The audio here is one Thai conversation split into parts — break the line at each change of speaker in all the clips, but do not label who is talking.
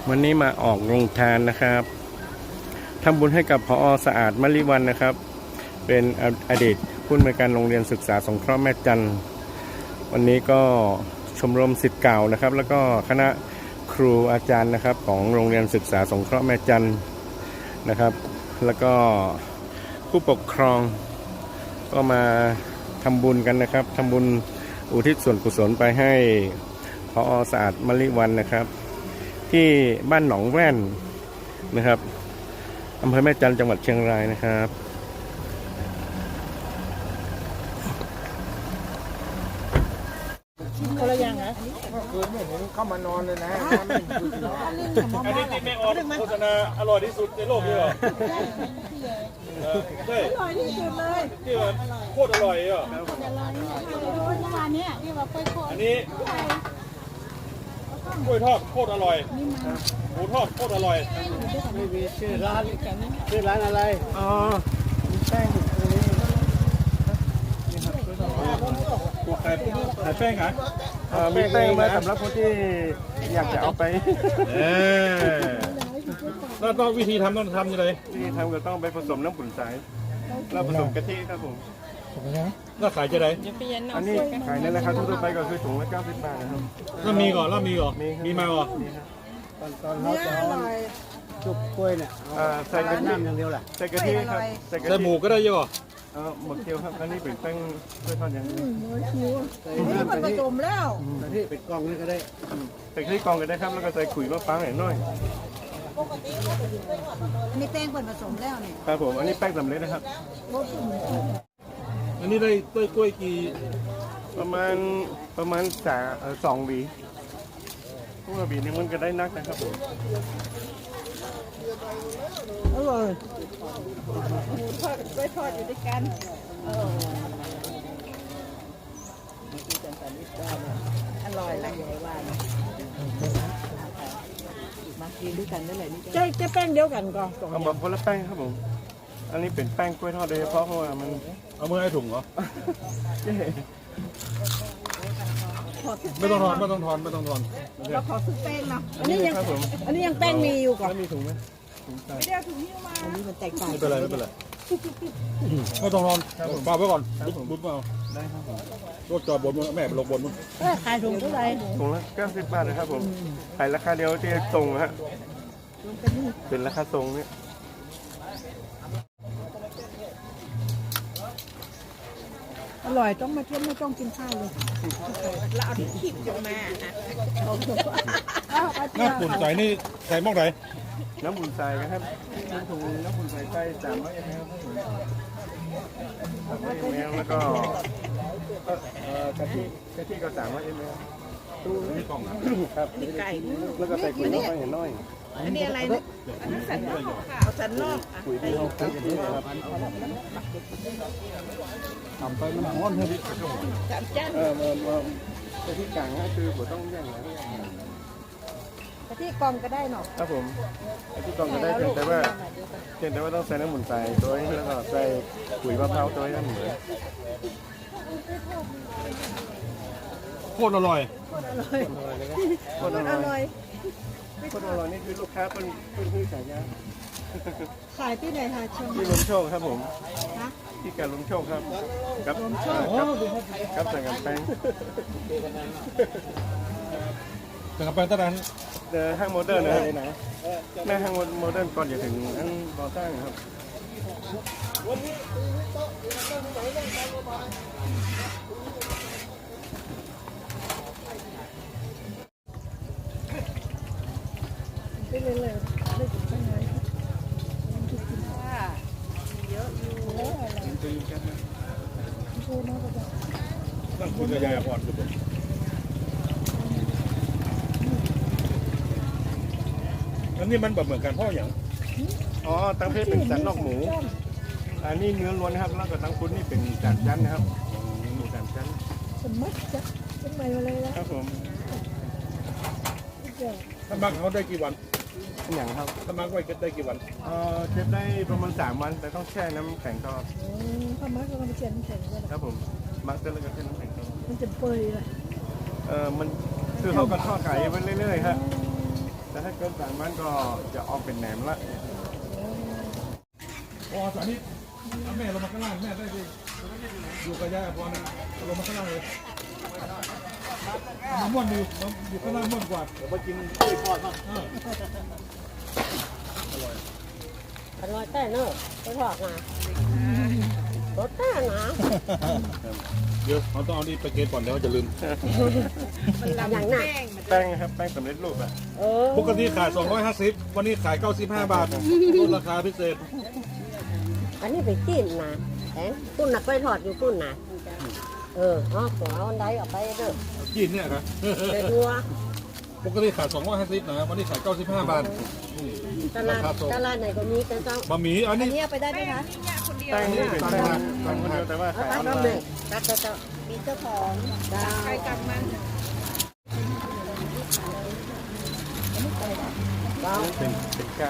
วันนี้มาออกโรงทานนะครับทำบุญให้กับพอสะอาดมลิวันนะครับ เป็นอดีตผู้อำนวยการโรงเรียนศึกษาสงเคราะห์แม่จันทร์วันนี้ก็ชมรมศิษย์เก่านะครับ แล้วก็คณะครูอาจารย์นะครับของโรงเรียนศึกษาสงเคราะห์แม่จันทร์นะครับ แล้วก็ผู้ปกครองก็มาทำบุญกันนะครับทำบุญอุทิศส่วนกุศลไปให้พอสะอาดมลิวันนะครับที่บ้านหนองแว่นนะครับอำเภอแม่จันทร์จังหวัดเชียงรายนะครับ
คนละอย่างเหรอ
เมื่อคืนเนี่ยผมเข้ามานอนเลยนะ
อันนี้
ที่แม่ออดโฆษณาอร่อยที่สุดในโลกเลยเหรอใช่
อร่อยที่สุดเลย
ที่ว่าโคตรอร่อยเหรอ
เมื่อวานเนี้ยที่ว่าไปโคตร
อันนี้กล้วยทอดโคตรอร่อยหมูทอดโคตรอร่อย
ไม่มีชื่อร้านอะไรอ๋อแป้งตัวนี้
ขายแป้งขาย
มีแป้งมาสำหรับคนที่อยากจะเอาไป
แล้วต้องวิธีทำต้องทำยังไง
ที่ทำก็ต้องไปผสมน้ำขุ่นสายแล้วผสมกะทิครับผม
แล้วขายจะไหน
อันนี้ขายในราคาทั่วไปก็คือถุงละ90 บาทนะครับ
แล้วมีก่อนมีมาก่อน
ตอนเราจะจุกกล้วยเนี่ย
ใส่กะทิ
น้ำอย่างเดียวแหละ
ใส่กะทิครับใส่กะ
ใส่
ทิ
หมูก็ได้เยอะ
หมกเกี๊ยวครับอันนี้เป็นแป้งกล้วยทอดอย่างนี้
ใส่
นี่
น้ำ
มันผ
กะทิ
สมแล้ว
กะทิเป็นกล่องนี่ก็ได้
ใส่กะทิกองกันได้ครับแล้วก็ใส่ขุยมะพร้าวหน่อย
นี่แป้งผสมแล้วเนี่ย
ครับผมอันนี้แป้งสำเร็จนะครับ
อันนี้ได้กล้วยกี่
ประมาณ2 หวีพวกหวีนี่มันก็ได้นักนะครับผม
อร่อยหมูทอดกับกล้วยทอดอยู่ด้วยกันอร่อยละใหญ่ว่ามากินด้วยกันได้เลยนี่จะแป้งเดียวกันก่อน
เอาแบบคนละแป้งครับผมอันนี้เป็นแป้งกล้วยทอดโดยเฉพาะเพราะว่ามัน
เอามือให้ถุงเหรอ
เย้
ไม่ต้องทอน
เราขอซื้อแป้งเนาะอันนี้ยังแป้งมีอยู่ก่อน
แล้วมีถุงไหมถุงใส่
ไม่ได้ถุงนิ้วมาอันนี้มันแตกต่าง
ไม่เป็นไรไม่ต้องทอนฝากไว้ก่อนบุ๊บมา
ได้ครับผม
รถจอดบนแม่ไปลงบนมั้ง
ขายถุงเท่าไหร่
ถุงละ90 บาทนะครับผมขายราคาเดียวที่ตรงฮะเป็นราคาตรงเนี่ย
อร่อยต้องมาเที่ยวไม่ต้องกินข้าวเลยเราเอาที่ขีบออกมา
น้ำปุ่นใส่นี่ใส่หม้อไหน
น้ำบุญใส่นะครับถุงน้ำบุญใส่ใส่300 ml ครับผม300 ml แล้วก็กะทิก็300 ml
นี่กล่องนะ
ครับ
นี่ไก่
แล้วก็ใส่ขุยมะพร้าวน้อย
อันนี้อะไรนะอันนี้สันนอกค่ะเอาสันนอก
ปุ๋ยที่เราใส่กันนี่นะครับ
ทำไปมันร้อนเลย
สามจาน
กะทิกลางก็คือผมต้องแย่งนะ
ที่กองก็ได้เนาะ
ครับผมกะทิกล่องก็ได้เพียงแต่ว่าต้องใส่น้ำหมุนใส่ตัวนี้แล้วก็ใส่ปุ๋ยมะพร้าวตัวนี้น้ำหมุน
โคตรอร่อย
คนอร่อยคนอร่อยนี่คือลูกค้าเป็นที่ขายยา
ขายที่ไหนคะชม
ที่ลมโชคครับผม
นะ
ที่การลมโชคครับกับใส่กับแป้ง
แต่กระเป๋าตะดัน
ห้างโมเดิร์นนะครับแม่ห้างโมเดิร์นก่อนจะถึงอันก่อสร้างครับ
ไปเลยเลยไม่ถึงไปไหนว่าเยอะอยู่
นั่งคุยกับยายพรทุกคนอันนี้มันแบบเหมือนกันพ่ออย่าง
อ๋อตั้งเพศเป็นสันนอกหมูอันนี้เนื้อล้วนนะครับแล้วก็ตั้งพุ้นนี่เป็นจานจันนะครับหมูจานจัน
สมัครจะทำไมมาเลยนะครับ
ผม
ถ้ามักเขาได้กี่วัน
อย่างครับ
ถ้ามักไว้ได้กี่วัน
เก็บได้ประมาณ3 วันแต่ต้องแช่น้ำแข็งตลอด
ถ้ามักก็มาเชียนแข็งเลย
ครับผมมักจะแล้วก็แช่น้ำแข็งตลอด
มันจะเปื่อยเลย
มันคือเขาก็ทอดขายไปเรื่อยๆครับแต่ถ้าเกิน3 วันก็จะออกเป็นแหนมละ
อ๋อสานิทแม่ลงมาข้างล่างแม่ได้ดิอยู่กับยายพรลงมาข้างล่างเลยมันม่วนอยู่ข้างล่างม่วนกว่า
เดี๋ยวมากินกล้วยทอดบ้าง
อร่อยแต่เนอะไปทอดนะรสแต่นะ
เดี๋ยวเราต้องเอานี่ไปเกณฑ์ก่อนเดี๋ยวจะลืม
อย่างน่ะ
แป้งครับแป้งสำเร็จรูปอ่ะ
ปกติขาย250วันนี้ขาย95 บาทลดราคาพิเศษ
อันนี้ไปจิ้มนะแองตุ้นน่ะไปทอดอยู่ตุ้นน่ะอ๋อหัวเอาอันใดออกไปเด้อ
จีนเนี่ยครับ
ไปดัว
ปกติขาย250นะวันนี้ขาย95 บาท
ตลาดไหนก็มีแต่เจ้า
บะหมี่อันนี้
เอาไปได้ไหมคะ
แป้งนี่เป็นแป้งคนเดียวแต่ว่า
เอา
ขาย
ไป
ออน
ทำ
ไล
เลย
น์
ตัดเจ้ามีเจ้าของใครกลับมันเรา
เป็นไก่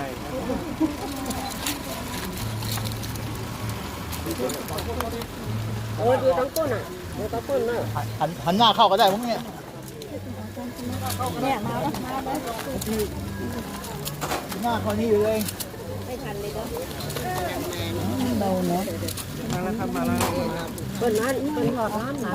อยู่ทั้งก้นอ่ะอยู่ทั้งก้นเนอะ
หันหน้าเข้าก็ได้พวกเนี้ย
เนี่ยมาแล้วมาแล้ว
หน้าเขานี่อยู่เลย
ไม่ทันเลยเนาะ
เราเนาะ
มาแล้วครับมาแล้ว
เปิดร้านเปิดหอดร้านนะ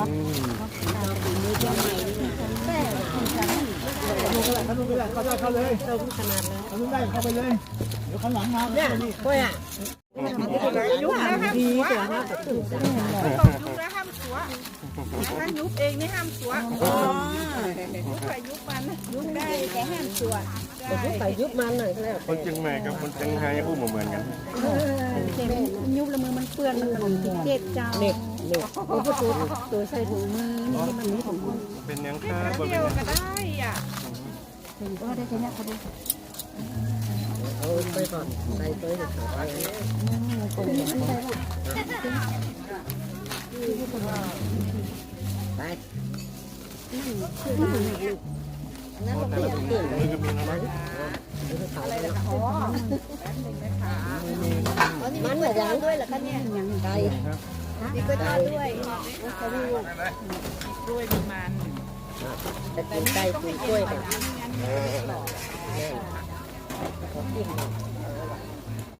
เข้าเลย
เติมขนาดเลย
เขาได้เข้าไปเลยเดี๋ยวข้างหลังมา
เนี่ยกล้วยอ่ะยุบแล้วดีแต่ว่าตื่นใจ
ยุบแล้วห้ามสัวถ้ายุบเองนี่ห้ามสัวยุบไปยุบมันยุบได้แต่ห้ามสัว
แต่ยุบไปยุบมันหน่อยก็แล้ว
คนเชียงใหม่กับคนเชียงรายพูดเหมือนกัน
ยุบแล้วมือมันเปื้อนมันหล่นเจ็บเจ้า
เด็กโอ้โหตัวใส่ถุงมือนี่มันนี่ของคุณ
เป็นยังค่าบน
เดี
เป็
ย
น
ว
ยัง
ก็ได้อ่ะ
เอาไปก่อนใส่ตัวเด็กไปนั่นเราไม่อยากเปลี่ยนเลย
มือก็มีนะมั้ง
อะไรล่ะ
อ๋อแป๊บนึงนะคะ
มันเหมือนกันด้วยเหรอคะเนี่ยไก่
มีกล้วยทอดด้วยกล้วยมีมัน
แต่กินไก่กินกล้วยกัน
งั้น
กิน